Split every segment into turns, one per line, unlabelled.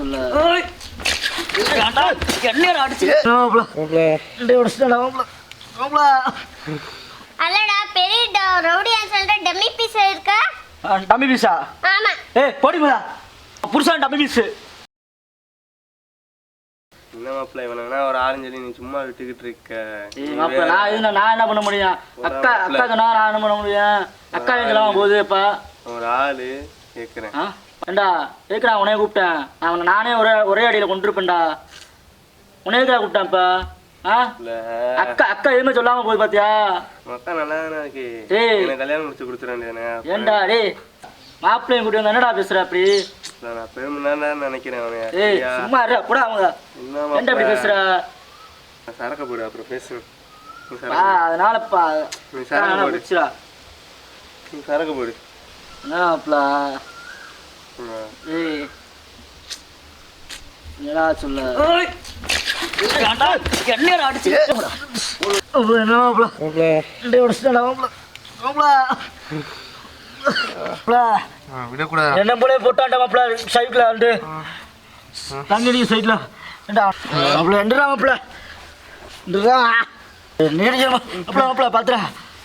சொல்ல என்ன அடிச்சு
அல்லடா பெரிய ரவுடியா சொல்ற டம்மி பீஸ் இருக்கா?
டம்மி பீஸா?
ஆமா.
ஏய் போடிமா புருஷன் டம்மி பீஸ்.
என்ன மாப்ள இவனா ஒரு ஆரஞ்சலி நீ சும்மா விட்டுக்கிட்டு இருக்க.
ஏய் மாப்ள நான் என்ன பண்ண முடியும்? அக்கா சொன்னா நான் என்ன பண்ண முடியும்? அக்கா எங்கலாம் போகுது இப்ப? ஒரு
ஆளு கேக்குறேன்.
ஏண்டா கேக்குறா உன்னைய கூப்பிட்டேன். நான் நானே ஒரே அடியில கொண்டிருப்பேன்டா. உன்னைய எதுக்குடா கூப்பிட்டேன் இப்ப? அக்கா எதுவுமே சொல்லாம போகுது பாத்தியா?
அக்கா நல்லா தானே இருக்கு. எனக்கு கல்யாணம் முடிச்சு கொடுத்துறேன்.
ஏண்டா டேய் மாப்பிள்ளையும் கூட்டி வந்து என்னடா பேசுற அப்படி?
நான் பெருமைன்னு நினைக்கிறேன்.
ஏய் சும்மா இருடா கூட அவங்க. என்ன அப்படி பேசுற?
சரக்க போடு அப்புறம் பேசு.
அதனாலப்பா
நீ சரக்க போடு. நீ சரக்க போடு.
என்னப்பா? ஏய் என்னடா சொல்ல? என்ன அடிச்சு என்ன மாப்ள டேய் உடச்சுடா மாப்ள
விடக்கூடாது.
என்ன போலே போட்டான்டா மாப்ள சைக்கிள் வந்து தங்கடி சைடுல ஏண்டா மாப்ள எண்டடா மாப்ள எண்டடா நேரே மாப்ள பாத்துடா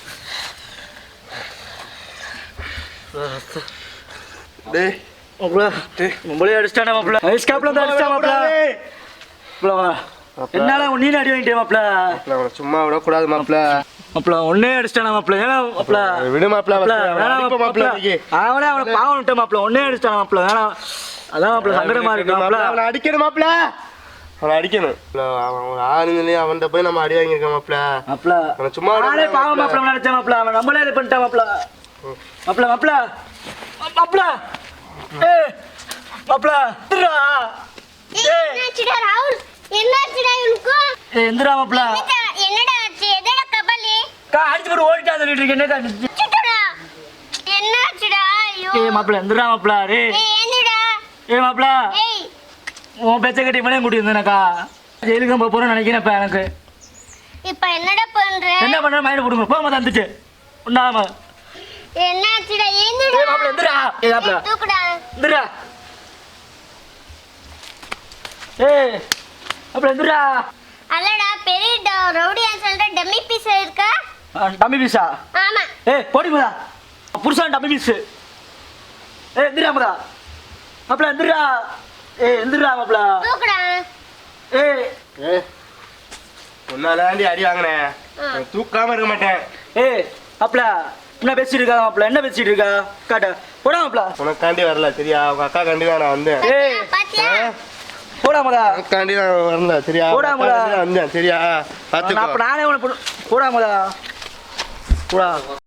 டேய்
மாப்ள டேய் மொபைல் அடிச்சானே மாப்ள ஐஸ் காப்ல வந்து அடிச்சா மாப்ள மாப்ள என்னால நீ அடி வாங்கிட்டே மாப்ள
சும்மா விடக்கூடாது மாப்ள
மாப்ள ஒண்ணே அடிச்சானே மாப்ள ஏனா மாப்ள
விடு மாப்ள
மாப்ள அவனே பாவம் விட்ட மாப்ள ஒண்ணே அடிச்சானே மாப்ள வேணா அதான் மாப்ள சங்கடமா இருக்கு மாப்ள
அவனை அடிக்கணும் மாப்ள அவனை அடிக்கணும் அவன் ஆளுங்களே அவன்கிட்ட போய் நம்ம அடி வாங்கியிருக்கோம் மாப்ள
மாப்ள
அவன் சும்மா
நானே பாவம் மாப்ள நினைச்சேன் மாப்ள அவன் நம்மளே இது பண்ணிட்டான் மாப்ள மாப்ள மாப்ள மாப்ள ஏய் மாப்ள திரா
என்னாச்சுடா ராகுல்? என்னாச்சுடா இவனுக்கு?
ஏய் எந்திரா மாப்ள
என்னடா ஆச்சு? எதடா கபலி?
அடிச்சு போட்டு ஓடிட்டா சொல்லிட்டு இருக்கேன் என்னடா
சுட்டுடா. என்னாச்சுடா? ஐயோ.
ஏய் மாப்ள எந்திரா மாப்ள டேய்
ஏய் என்னடா?
ஏய் மாப்ள
ஏய்
உன் பேச்ச கட்டி மணி கூட்டி வந்தேனக்கா ஜெயிலுக்கு போக போறேன்னு நினைக்கிறேன் இப்ப எனக்கு
இப்ப என்னடா பண்ற?
என்ன பண்ற மைண்ட் போடுங்க போக வந்துச்சு உண்டாம
என்னாச்சுடா? என்னடா?
ஏய் மாப்ள எந்திரா ஏய் மாப்ள
தூக்குடா.
எந்திரா ஏய் மாப்ள எந்திரா
அல்லடா பெரிய ரவுடியா சொல்ற டம்மி பீஸ் இருக்கா?
டம்மி பீஸா?
ஆமா.
ஏய் போடிமா புருஷன் டம்மி பீஸ். ஏய் எந்திரா மாப்ள மாப்ள எந்திரா ஏய் எந்திரா மாப்ள
தூக்குடா.
ஏய்
ஏய் உன்னாலாண்டி அடி வாங்கினேன் தூக்காம இருக்க மாட்டேன்.
ஏய் மாப்ள என்ன பேசிட்டு இருக்கா மாப்ள என்ன பேசிட்டு இருக்கா காட்ட போடா மாப்ள
உனக்காண்டி வரல சரியா உங்க அக்கா காண்டி தான் நான் வந்தேன்.
ஏய்
பாத்தியா?
போடா மதா
உனக்காண்டி நான் வரல சரியா
போடா மதா
வந்தேன் சரியா
அப்ப
பாத்துக்கோ.
நானே உன போடா மதா போடா